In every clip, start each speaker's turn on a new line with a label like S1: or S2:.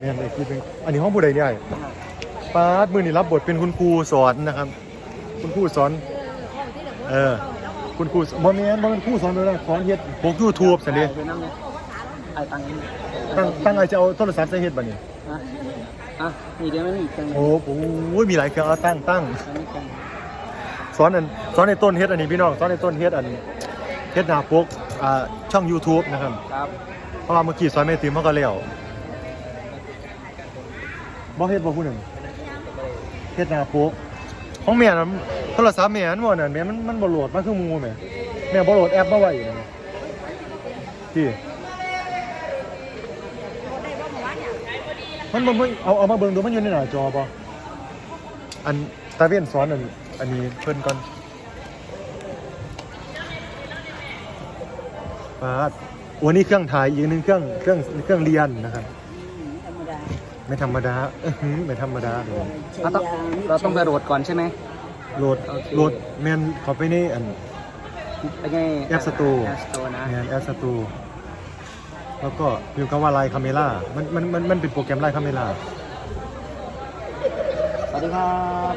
S1: แม่นไอ้คิดเป็นอันนี้ห้องผู้ใดเนี่ยป้าดมือนี่รับบทเป็นคุณครูสอนนะครับคุณครูสอนคุณครูบ่แม่นบ่เป็นครูสอนเลยสอนเฮ็ดพวก YouTube ซั่นเด้
S2: ไอ้ตัง
S1: ตั้งไอ้จะเอาโทรศัพท์ใส่เฮ็ดบัดนี้
S2: มีเดี๋ยวมันมีจัง
S1: โอ้โหมีหลายเครื่องเอาตั้งสอนในต้นเฮ็ดอันนี้พี่น้องสอนในต้นเฮ็ดอันเฮ็ดหน้าปกช่อง YouTube นะครับเพราะว่าเมื่อกี้สอนแม่ติ๋มเฮาก็แล้วบ่เฮ็ดบ่ผู้หนึ่งเฮ็ดหน้าปกของแม่น่ะโทรศัพท์แม่อันบ่นั่นแม่มันบ่โหลดมาคือหมู่แม่บ่โหลดแอปมาไว้อยู่นั่นที่มันบ่เอามาเบิ่งดูมันอยู่ในหน้าจอบ่อันตาเว้นสอนอันนี้เพิ่นก่อนปาดวันนี้เครื่องถ่ายอีกนึงเครื่องเรียนนะครับไม่ธรรมดาไม่ธรรมดาเลย
S2: เราต้องไปโหลดก่อนใช่ไหม
S1: โหลดแมนเขาไปในอันแอปสตูนะแมนแอปสตูแล้วก็พิมพ์คำว่าไลน์คาเมล่ามันเป็นโปรแกรมไลน์คาเมล่า
S2: สวัสดีครับ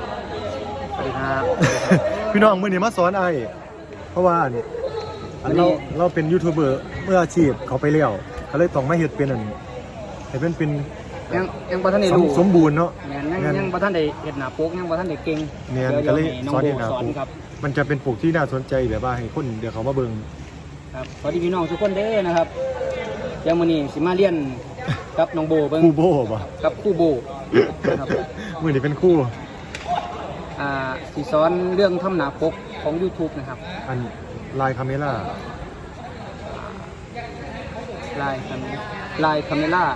S1: พี่น้องมือนี้มาสอนไอ้เพราะว่าเราเป็นยูทูบเบอร์เมื่ออาชีพเขาไปเลี้ยวเขาเลยต้องมาเฮ็ดเป็นให้เป็น
S2: ยังบ่ทันได้รู้
S1: สมบูรณ์เนาะ
S2: ยังบ่ทันได้เฮ็ดหน้าปกยังบ่ทันได้เก่ง
S1: แม่นก็เลยสอนเฮ็ดหน้าปกมันจะเป็นปกที่น่าสนใจแบบว่าให้คนเดี๋ยวเขามาเบิ่ง
S2: ครับสวัสดีพี่น้องทุกคนเด้อนะครับยังมื้อนี้สิมาเรียนกับน้องโบเบิ่ง
S1: ครูโบบ่
S2: กับครูโบนะครับ
S1: มื้อนี้เป็นครู
S2: สิสอนเรื่องทำหน้าปกของ YouTube นะครับ
S1: อันไลน์คาเมล่า
S2: ไลน์คาเมล่า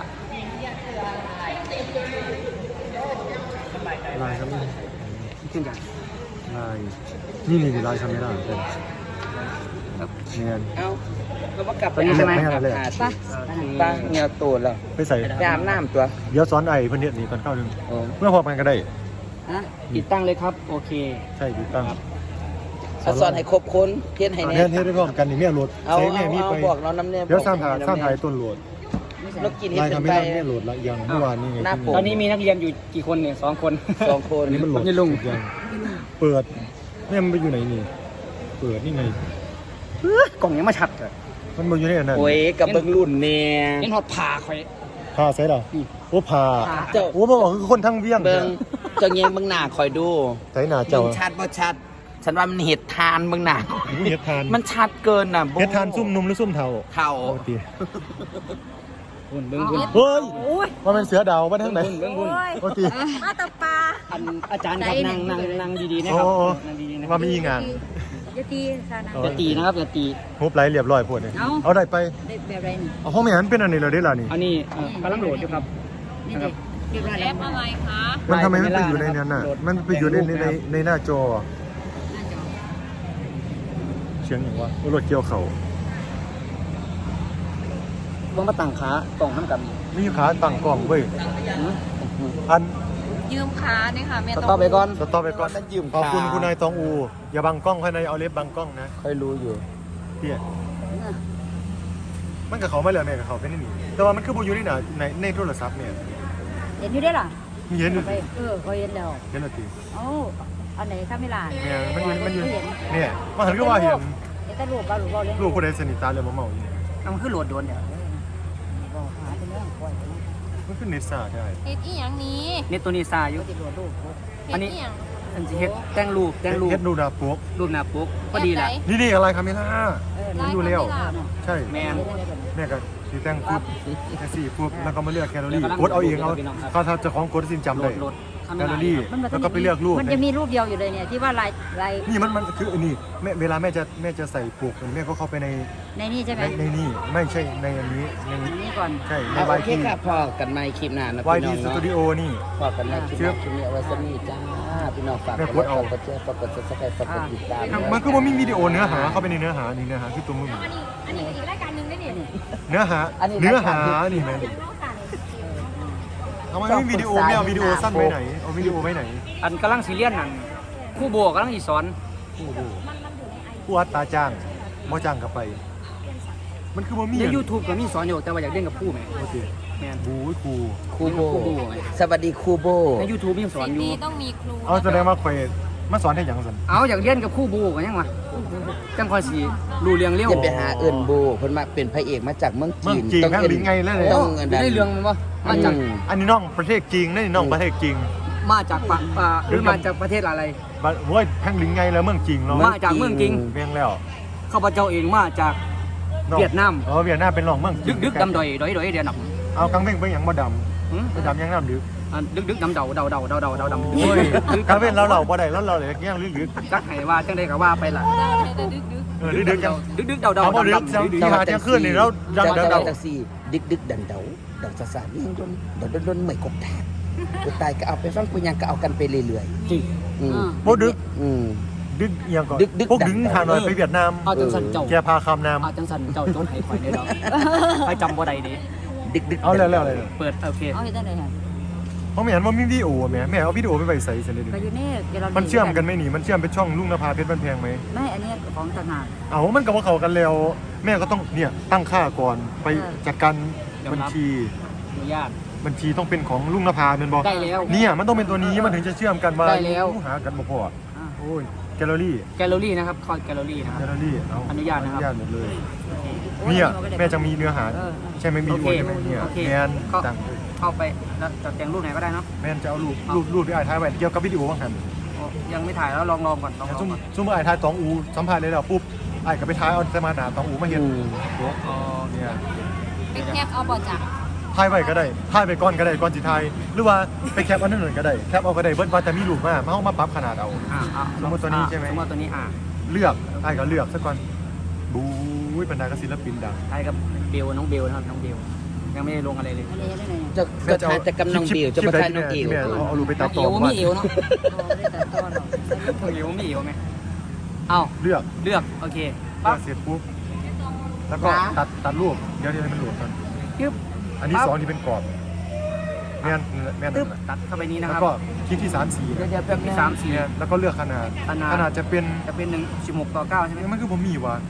S1: ลายครับ
S2: เช่นกัน
S1: ลายนี่ลายคาเมล่าเป็นเนี่ย
S2: เรามากลับตอนนี้ใช่ไหมป้าเงียบตัวแล้ว
S1: ไปใส่
S2: ไปอาบน้ำตัว
S1: เดี๋ยวสอนไอ้เพื่อนเฮ็ดนี่ก่อนเข้านึงเมื่อพอกันก็ได้
S2: ติดตั้งเลยครับโอเค
S1: ใช่ติดตั้ง
S2: สอนให้ครบคนเทียนให้
S1: เฮ็ดได้พร้อมกันนี่แม่โหลด
S2: ใช้แม่มีไปบอกเราน้ำเนี่ย
S1: เดี๋ยวสร้างถ่ายต้นโหลด
S2: แล้วกิน
S1: ลายคาเมล่าไม่โหลดละยังเมื่อวานนี่ไง
S2: ตอนนี้มีนักเรียนอยู่กี่คนเนี่ย2 คน
S1: นี่มันโหลด
S2: นี่ลุง
S1: เปิดแม่มันไปอยู่ไหนนี่เปิดนี่ไง
S2: กล่องยังมาชัดเลย
S1: มันอยู่ในนั้น
S2: โอ้ยกับเบิ้งรุ่นเนี่ยนี่หอดผ่าคอย
S1: ผ่าใช่หรอโอ้ผ่าโอ้บอกคือคนทั้งเวียง
S2: เบิ้งเจ้าเงี้ยเบิ้งหน้าคอยดู
S1: ใช่หน้าเจ้า
S2: ชัดบ่ชัดฉันว่ามันเห็ดทานเบิ้งหน้า
S1: เห็ดทาน
S2: มันชัดเกินน่ะ
S1: เห็ดทานซุ่มนุ่มหรือซุ่มเทา
S2: เบิ้ง
S1: เฮ้ยว่าเป็นเสือดาวมาทางไหน
S2: เบิ้ง
S1: โอ้ตี
S3: มาตบปลา
S2: อาจารย์ครับนั่งดีๆนะครับ
S1: นั่งดีๆนะว่ามีงาน
S3: อย่า
S2: ตีนะครับอย่าตี
S1: ฮุบไหลเรียบร้อยพวดเลยเอาได้ไป
S3: แบบไรนี่
S1: เอาห้องไม่หันเป็นอันนี้เลยได้ล่ะนี่
S2: อันนี้กำลังโหลดอยู่ครับ
S3: นี่เรียบร้อยแล้วอะไรคะ
S1: มันทำไมไม่ไปอยู่ในนั้นน่ะมันไปอยู่ในหน้าจอเชียงอย่างว่ารถเกี่ยวเข่า
S2: บ้องมาตั้งขากล่องน้ำกัน
S1: มีขาตั้งกล่องเว้ยอัน
S3: ยืมขาเนี่ยค่ะแม่
S2: ต้องสต็อปไปก่อน
S1: ขอบคุณคุณนายตองอูอย่าบังกล้องให้นายเอาเล็บบังกล้องนะ
S2: ค่อยรู้อยู่
S1: เพี่ยมันกับเขาไม่เหลือแม่กับเขาเป็นนี่แต่ว่ามันคือบูอยู่นี่นะในโทรศัพท์เนี่ย
S3: เห็นอยู่ได้หรอ
S1: เห็นอยู่
S3: ก็เห็นแล้ว
S1: เห็นแล้วตี
S3: อันไหนข้าไม่ลา
S1: เนี่ยมันอยู่เนี่ยมาหันก็ว่าเห็น
S3: แต่รูปบ้าเล่น
S1: รูปคนใดสนิทตาเลยมาเมาอยู่
S2: มันคือโหลดโดนเนี่ย
S1: มันคือเนซ่าได้
S3: เฮ็ดอีหยังนี้
S2: เน็ตตัวนี้ซาอยู่อันนี้อันจะเฮ็ดแต่งรูป
S1: เฮ็ดรูปหน้าปก
S2: พอดีละ
S1: นี่อะไรคาเมล่ามันดูเร็วใช่
S2: แม่
S1: ก็สีแต่งปุ๊บแค่4ปุ๊บแล้วก็มาเลือกแคลอรี่กดเอาเองเขาถ้าจะของกดสินจำได้แคลอรี่แล้วก็ไปเลือกรูป
S3: มันจะมีรูปเดียวอยู่เลยเนี่ยที่ว่าลาย
S1: นี่มันคือนี่เวลาแม่จะใส่ปกแม่ก็เข้าไปใน
S3: นี่ใช่ไหม
S1: ในนี่ไม่ใช่ในอันนี้
S3: ในนี้ก่อน
S1: ใช่ใน
S2: ไวที่ค่ะพอกันไม่คลิปนานนะ
S1: พี่น้องเนาะ YT Studio นี่
S2: พอกันไม่คลิปนี้เอาไว้สนี่จ้าพี่น้องฝากกดเอากดแชร์กด Subscribe กดติดตาม
S1: มันคือว่ามีวิดีโอเนื้อหาเข้าไปในเนื้อหานี่เนื้อหาคือตัวมึง
S3: อันนี้อีกรายการนึงได้นี่
S1: เนื้อหานี่แม่ทำไมไม่วิดีโอไม่เอาวิดีโอสั้นไปไหนเอาวิดีโอไปไหน
S2: อันกำลังซีเรียสนั่นคู่โบกำลังอีสอน
S1: ผู้อัดตาจ้างมอจ้างกลับไปมันคือว่ามี
S2: ใน YouTube ก็มีสอนอยู่แต่ว่าอยากเล่นกับผู้ไหม
S1: โอเค
S2: แม่น
S1: บูยครู
S4: ครูโบ
S2: ครูโบ
S4: สวัสดีครูโบ
S2: ใน YouTube ยังสอนอยู่
S3: ต้องมีครู
S1: เอาแสดงว่าข่อยมาสอนให้หยังซั่น
S2: เอาอยากเรียนกับครูโบกันยังวะจังคอยสิรู้เรื่องเร็ว
S4: จะไปหาเอิ้นโบเพิ่นมาเป็นพระเอกมาจากเมือง
S1: เมือ
S4: จี
S1: ง
S4: น
S1: จีน
S4: ต้อง
S1: แม่ง
S4: เอิ้น
S1: ลิงไงเลย
S4: ต้
S2: โอ้
S4: อง
S2: ได้เรื่องมันบ่มาจาก
S1: อันนี้น้องประเทศจีนนี่น้องประเทศจีน
S2: มาจากหรือมาจากประเทศอะไร
S1: บัดโว้ยแพ่งลิงไงแล้วเมืองจีนเนาะ
S2: มาจากเมืองจริง
S1: เวียงแล้ว
S2: ข้าพเจ้าเองมาจาก
S1: น้อง
S2: เวียดนาม
S1: เวียดนามเป็นรองเมืองจีน
S2: ดึกดำดอยเดียวด
S1: เอากังเพ่งไปหยังบ่ด
S2: ำ
S1: ำไปดำยังน้ำดึก
S2: ดึกดำเดาดำ
S1: โอ้ยกังเพ่งเราบ่ได้เราเลยยังลึก
S2: จักให้ว่าจังได้ก็ว่าไปล่ะ
S1: ดึกยัง
S2: ดึกเดา
S1: เอาบ่ดึกที่หาเที่ยงคืนนี่เราดัง
S4: เจ้า
S1: ดัง
S4: จักซี่ดึกดันเดาดอกสานี่ยังดนไม่กบแทกกูตายก็เอาไปฟังปุญญังก็เอากันไปเรื่อย
S2: จริง
S4: ๆอืม
S1: บ่ดึก
S4: อืม
S1: ดึกยังก่อน
S4: ดึก
S1: พวกดึงหาหน่อยไปเวียดนาม
S2: เอาจังสันเจ้า
S1: แกพาคำน้
S2: เอาจังสันเจ้าโจนให้ข่อยได้ดอกใครจำบ่ได้ดิ
S4: ดึก
S1: ำเอาแล้วเลย
S2: เปิดโอเค
S3: เอาเห็นได้เลยค่ะ
S1: เพราะไม่เห็นว่ามีวิดีโอแม่เอาวิดีโอไปใส่เสร็จเลยดิ
S3: ก็อยู่นี่เดี๋ยวเรา
S1: มันเชื่อมกันไหมนี่มันเชื่อมเป็นช่องลุงนภาเพชรบ้านแพงไหม
S3: ไม่อันนี้ของต่างหาก
S1: เอามันกับว่าเขากันแล้ว แม่ก็ต้องเนี่ยตั้งค่าก่อนไปจัดการบัญชี
S2: อนุญาต
S1: บัญชีต้องเป็นของลุงนภาเป็นบอก
S2: ได้แล้ว
S1: เนี่ยมันต้องเป็นตัวนี้มันถึงจะเชื่อมกันมา
S2: ได้แล้ว
S1: หากันบ่พอ
S2: อ่ะ
S1: โอ้ยแกลเลอรี่
S2: แกลเลอรี่นะครับคอร์ดแกลเลอรี่นะค
S1: แก
S2: รับ
S1: ลเลอรี่เอา
S2: อนุญาตนะครับ
S1: อนุญาตหมดเลย
S3: โอ้ย
S1: เนี่ย
S3: เอาไปเลย
S1: แม่จะมีเนื้อหา
S3: เออ
S1: ใช่ไหมมี
S2: โอเค
S1: ใช่ไหมเนี่ย
S2: โอเค
S1: แมน
S2: ก็
S1: ต่าง
S2: เข้าไปแล้วจะแต่งรูปไหนก็ได้เนาะ
S1: แมนจะเอารูปที่ไอ้ท้ายไว้เกี่ยวกับวิดีโอบ้างหัน
S2: โอ้ยังไม่ถ่ายแล้วลองก่อนลอง
S1: แต่
S2: ก่อน
S1: ซุ่มไอ้ท้ายตองอูสัมภาษณ์เลยแล้วปุ๊บไอ้ก็ไปท้ายเอาสมานาตองอูมาเห็น
S2: อ๋อ
S1: เนี่ย
S3: ไปแคปเอาบ่จ้ะ
S1: ถ่ายไว้ก็ได้ถ่ายไปก่อนก็ได้ก่อนสิถ่ายหรือว่าไปแคปอันนั้นหนึ่งก็ได้แคปเอาก็ได้เบิดว่าจะมีรูปมาเอามาปรับขนาดเอา สมมุติตัวนี้ใช่ไหม
S2: สมมติตัวนี้
S1: เลือกไอ้ก็เลือกซะก่อนบู๊ยบรรดากศิลปินดัง
S2: ถ่ายกับเบลน้องเบลนะครับน้องเบลยังไม่ได้ลงอะไรเลย
S3: อันนี้ได้เลย
S4: จะถ่ายแต่กำลังเบียวจะมาถ่ายน้องเอว
S1: ที่แม่เอารูปไปตัด
S2: เอ
S1: ต่อ
S2: ว
S1: ก่อน
S2: มีเอวเนาะ
S3: โอ้ได้แต่ต้นหรอก
S2: เอวมีเอวไหมเอ้า
S1: เลือก
S2: เลือกโอเค
S1: เลื
S2: ปั๊
S1: อบ กเสร็จปุ๊บแล้วก็ตัดรูปเดี๋ยวให้มันหลวมกัน
S2: ปึ๊บ
S1: อันที่สองที่เป็นกรอบแม่น
S2: ปึ๊บตัดเข้าไปนี้นะ
S1: แล้
S2: คว รับ
S1: ก็คลิกที่3 4
S2: เดี๋ยวแป๊บที่3
S1: เนี่ยแล้วก็เลือกขนาด
S2: 4ขนาด
S1: จะเป็น
S2: จะเป็น1:16:9ใช่ไหม
S1: มันคือบ่มีว่ะ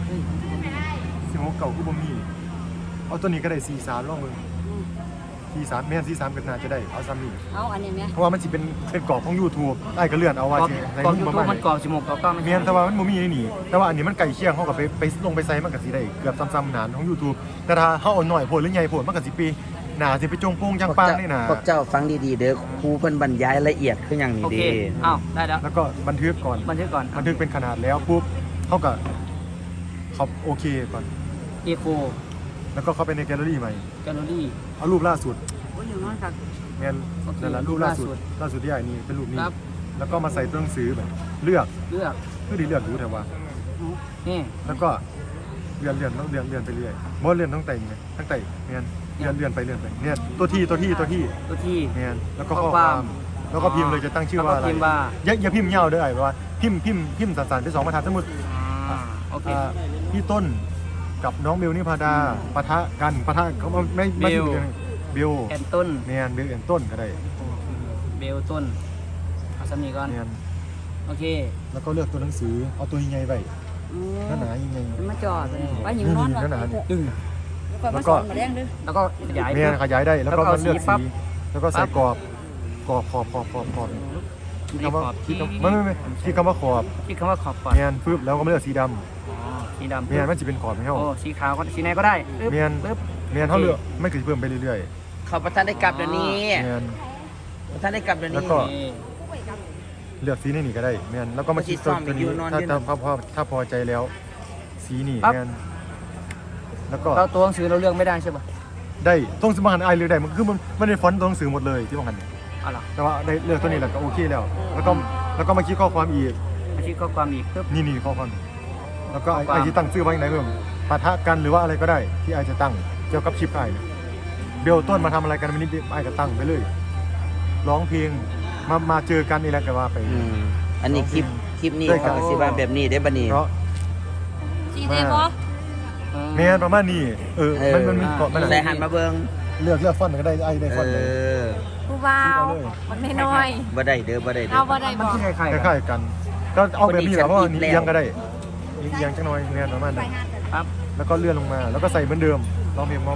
S1: 16เก่าคือบ่มีเอาตัวนี้ก็ได้43ลองมึง43แม่น43ก็น่าจะได้เอาซ้ำนี่
S3: เอาอันนี้ไหม
S1: เพราะว่ามันสิเป็นกรอบของ YouTube ได้ก็เลื่อนเอาว่าสิใน
S2: กรอบ
S1: รู
S2: ยู
S1: ปประ
S2: ทู
S1: มา
S2: บ
S1: ณ
S2: มันกรอบ16:9ไม่
S1: แม่
S2: ใช่
S1: นแต่ว่ามันบ่มีในนี่แต่ว่าอันนี้มันไก่เคียงเฮาก็ไปลงไปใส่มันก็สิได้เกือบซ้ำๆหนานของ YouTube แต่ถ้าเฮาเอาหน่อยโพดหรือใหญ่โพดมันก็สิไปหนาสิไปจงโป้งจังปางนี่นะ
S4: พวกเจ้าฟังดีๆเด้อครูเพิ่นบรรยายละเอียดคืออย่างนี้
S2: โอเค
S4: เด้
S2: อ้าวได้แล้ว
S1: แล้วก็บันทึกก่อน
S2: บันทึกก่อน
S1: บันทึกเป็นขนาดแล้วปุ๊บเขาก็เขาโอเคก่อน
S2: เอโค
S1: แล้วก็เข้าไปในแกลเลอรี่ใหม่
S2: แกลเลอรี่
S1: เอารูปล่าสุด
S3: โอ้ยอย่างน้อยค่ะ
S1: แมน
S2: โอเค
S1: นั่นแหละรูปล่าสุดที่ไอ้นี่เป็นรูปนี้
S2: ครับ
S1: แล้วก็มาใส่ตัวหนังสือแบบเลือก
S2: เลือก
S1: เพื่อดีเลือกดูแต่ว่า
S2: นี่
S1: แล้วก็เลื่อนต้องเลื่อนไปเรื่อยมดเลื่อนต้องแต่งไงทั้งแต่แมนเลื่อนไปเนี่ยตัวที่
S2: ตัวที่
S1: แมนแล้วก็ข้อความแล้วก็พิมพ์เลยจะตั้งชื่อว่าอะไร
S2: แล้วก็พิมพ์ว่า
S1: อย่าพิมพ์ยาวเด้อไอ้ว่าพิมพ์สั้นๆไป2บรรทัดสมมุติ
S2: โอเค
S1: พี่ต้นกับน้องเบลนิพาดาปะทะเขาไม่
S2: เบล
S1: อยู่กันเบล
S2: แอนต้น
S1: แมนเบลแอนต้นก็ได้
S2: เบลต้นเอาสำนีก่อน
S1: แมน
S2: โอเค
S1: แล้วก็เลือกตัวหนังสือเอาตัวใหญ่ๆไปหนาๆยังไง
S3: มาจอดเลยว่าหิวนอน
S1: หนาๆ
S2: ดึง
S3: แล้วก็มาสอนมาแรงด้วย
S2: แล้วก็ขยาย
S1: แมนขยายได้แล้วก็
S2: แล้วก็
S1: มันเลือก
S2: สีปั๊บ
S1: สีแล้วก็ใส่กรอบขอบคิดคำว่าไม่คิดคำว่าขอบ
S2: คิดคำว่าขอบก่อน
S1: แมนฟึบแล้วก็มาเลือกสีด
S2: อ๋อสี
S1: ำ
S2: ดำ
S1: แมนมันจะเป็นขอบให้เขา
S2: โอ้สีขาวก็สีไหนก็ได้ปึ๊บ
S1: แมน
S2: ปึ๊บ
S1: แมนเขาเลือกไม่เคยเพิ่มไปเรื่อย
S4: เขาประทานได้กลับเดี๋ยวนี้
S1: ๆแมน
S4: ประทานได้กลับเดี๋ยว
S1: แล้ว
S4: นี้
S1: ก็
S2: นี่
S1: เลือกสีนี่ก็ได้แมนแล้วก็มาคิดตัวนี้ถ้าพอใจแล้ว สีนี่แมนแล้วก็
S2: เราตัวหนังสือเราเลือกไม่ได้ใช่ป่ะ
S1: ได้ต้องสมัครไอเลือกได้มันคือมันได้ฟอนต์ตัวหนังสือหมดเลยที่บางอัน
S2: เอาล่ะ
S1: แต่ว่าได้เลือกตัวนี้แล้วก็โอเคแล้ว แล้วก็มาคิดข้อความอีก
S2: มาคิดข้อความอีกปึ๊บ
S1: นี่ข้อความแล้วก็
S2: ข้อความ
S1: ไอที่ตั้งชื่อไว้ไหนเพิ่มปะทะกันหรือว่าอะไรก็ได้ที่ไอจะตั้งเกี่ยวกับคลิปไอเนี่ยเบลต้นมาทำอะไรกันวันนี้ไอก็ตั้งไปเลยร้องเพลงมาเจอกันนี่แหละก็ว่าไป
S4: อันนี้คลิปนี้
S1: ได้ครั
S4: เขา
S1: บ
S4: ก็สิว่าแบบนี้ได้บัดนี้
S1: เพราะ
S3: จริงเลยปะ
S1: แม่นประมาณนี้มันเกาะมัน
S4: ใส่หันมาเบิ่ง
S1: เลือกฟอนต์ก็ได้ไอได้ฟอนต์เลย
S3: ผู้บ่าวมันน้อย
S4: บ่ได้เด้อบ่ได้เด้
S3: เอา
S4: อ
S3: บ่ได้
S2: มั
S3: บ
S2: น
S3: อก
S2: คือคล้ายๆ
S1: ค
S2: กัน
S1: ล้ายๆกัน ก็เอาแบบนี้แหละเพราะว่า
S4: คนดี
S1: เอียงก็ได้เอียงจังน้อยแม่นประมาณนั้น
S2: ปั๊บ
S1: แล้วก็เลื่อนลงมาแล้วก็ใส่เหมือนเดิมร้องเพลงมาก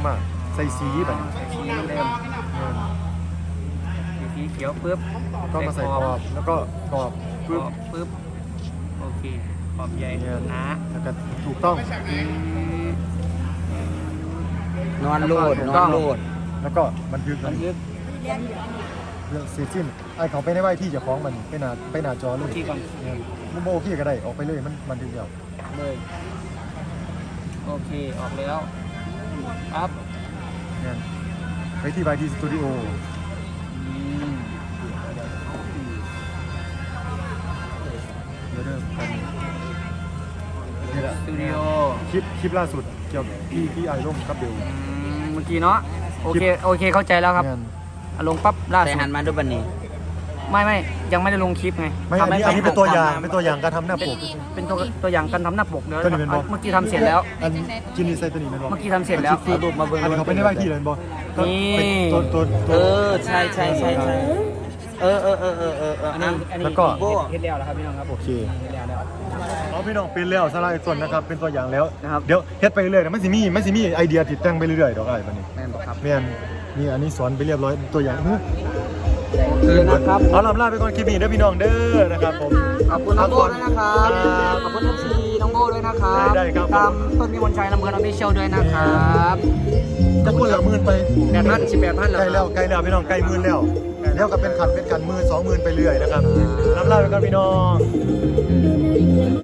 S1: ใส่สีแบบนี้
S2: สีเดิมสีเขียวปึ๊บ
S1: ก็มาใส่ขอบแล้วก็ขอบ
S2: ปึ๊
S1: ปึ๊
S2: บบ โอเคขอบใหญ่
S1: เนี่ย
S2: นะ
S1: แล้วก็ถูกต้อง
S4: นอนโลดนอนโลด
S1: แล้วก็บันทึก
S2: บันทึก
S1: เรื่องเสียสิ้นไอ้เขาไปในไหวที่เจะคล้าของมันไปหน้าจอเลย
S2: ที่ก่อน
S1: เนี่ยโมโอเคก็ได้ออกไปเลยมันบันทึกเดียว
S2: เลยโอเคออกแล้วปั๊บ
S1: เนี่ยไปที่ไวที่สตูดิโอ
S2: อืม
S1: เดี๋ยวเริ่มกันนี่แหละ
S2: สตูดิโอ
S1: คลิปล่าสุดเกี่ยวกับที่ไอร่มกับเบล
S2: เมื่อกี้เนาะโอเคเข้าใจแล้วครับ
S1: เนี่ย
S2: ลงปั๊บล่า
S4: ใส่
S2: สุด
S4: หันมาดูบันนี้
S2: ไม่ยังไม่ได้ลงคลิปไง
S1: ไม่อันนี้
S2: ทำให้
S1: เป็นตัวอย่างการทำหน้าปก
S2: เป็นตัวอย่างการทำหน้าปกเดี๋ยว
S1: ตัวนี้เป็นบอ
S2: เมื่อกี้ทำเสร็จแล้ว
S1: อันกินนี่ใส่ตัวนี้เป็นบอ
S2: เมื่อกี้ทำเสร็จแล้ว
S4: รูปมาเบิ่ง
S1: อันนี้เขาไปในไหวที่เลยเป็นบอก็
S2: นี่
S1: เป็นตัว
S4: เออใช่เออ
S2: อันนี้
S1: แล้วก็
S2: เฮ็ดแล้วครับพี่น้องครับ
S1: โอเค
S2: เฮ็ดแล้ว
S1: เอาพี่น้องเป็นแล้วสไลด์ส่วนนะครับเป็นตัวอย่างแล้ว
S2: นะครับ
S1: เดี๋ยวเฮ็ดไปเรื่อยนะมันสิมีไอเดียติดตั้งไปเรื่อยๆดอกอะไรบัดนี้
S2: แม่นบอกครับ
S1: แม่นนี่อันนี้สอนไปเรียบร้อยตัวอย่าง
S2: คือนะครับ
S1: เอาลำลาไปก่อนคลิปนี้เด้อพี่น้องเด้อนะครับผม
S2: ขอบคุณน้องโบด้วยนะครับขอบคุณFCน้องโบด้วยนะครับ
S1: ได้ครับ
S2: ตามต้นมีมนชัยลำเพลินออฟฟิเชียลด้วยนะครับ
S1: จะพูดละหมื่นไป
S2: 18,000
S1: ใกล้แล้วพี่น้องใกล้หมื่นแล้วแล้วก็เป็นขันหมื่น2,000ไปเรื่อยนะครับลำลาไปก่อนพี่น้อง